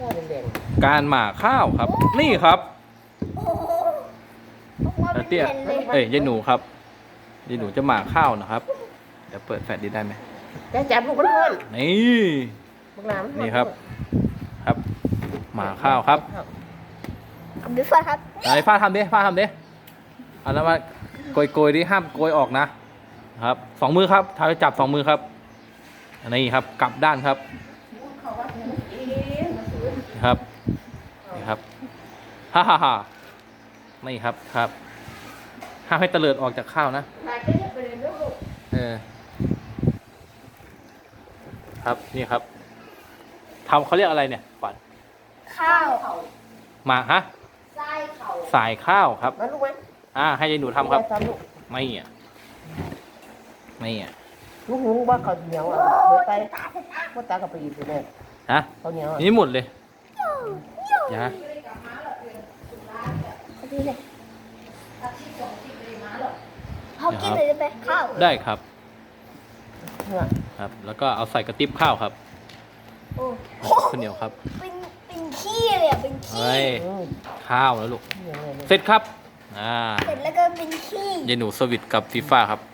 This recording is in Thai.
ข้าวแดงการหม่าข้าวครับ นี่ครับโอ้โหออกมาเป็นเตี้ยแผ่นเลยเอ้ยยายหนูครับยายหนูจะหม่าข้าวนะครับ เดี๋ยวเปิดแฟลชดีได้ไหมๆแต่จับลูกมันเพิ่นนี่บักหลามนี่ครับ ครับ หม่าข้าวครับกับดิฟ้าครับไหนฟ้าทำดิฟ้าทำดิเอาแล้วมาโกยดิห้ามโกยออกนะครับสองมือครับเท้าจะจับสองมือครับนี่ครับกลับด้านครับนี่ครับนี่ครับฮ่าฮ่าฮ่านี่ครับครับห้ามให้เตลิดออกจากข้าวนะนายก็จะไปเรียนด้วยลูกครับนี่ครับทำเขาเรียกอะไรเนี่ยก่อนข้าวมาฮะไส้เข่าสายข้าวครับมาลูกไหมให้ยายหนูทำครับทำลูกไม่อ่ะไม่อ่ะลูกหนูว่าเขาวเหนียวอ่ะเดี๋ยวไปว่าตากับไปอีกเลยฮะเขาวเหนียวอ่ะนี่หมดเลยอย่าพอดีเลยเขากินเลยได้ไหมข้าวได้ครับเนี่ยครับ แล้วก็เอาใส่กระติบข้าวครับโอ้ข้าวเหนียวครับเป็นขี้เลยอ่ะเป็นขี้เฮ้ยอืมข้าวแล้วลูกเนี่ยเสร็จครับเสร็จแล้วก็เป็นขี้ยายหนูสวิตกับฟีฟ่าครับ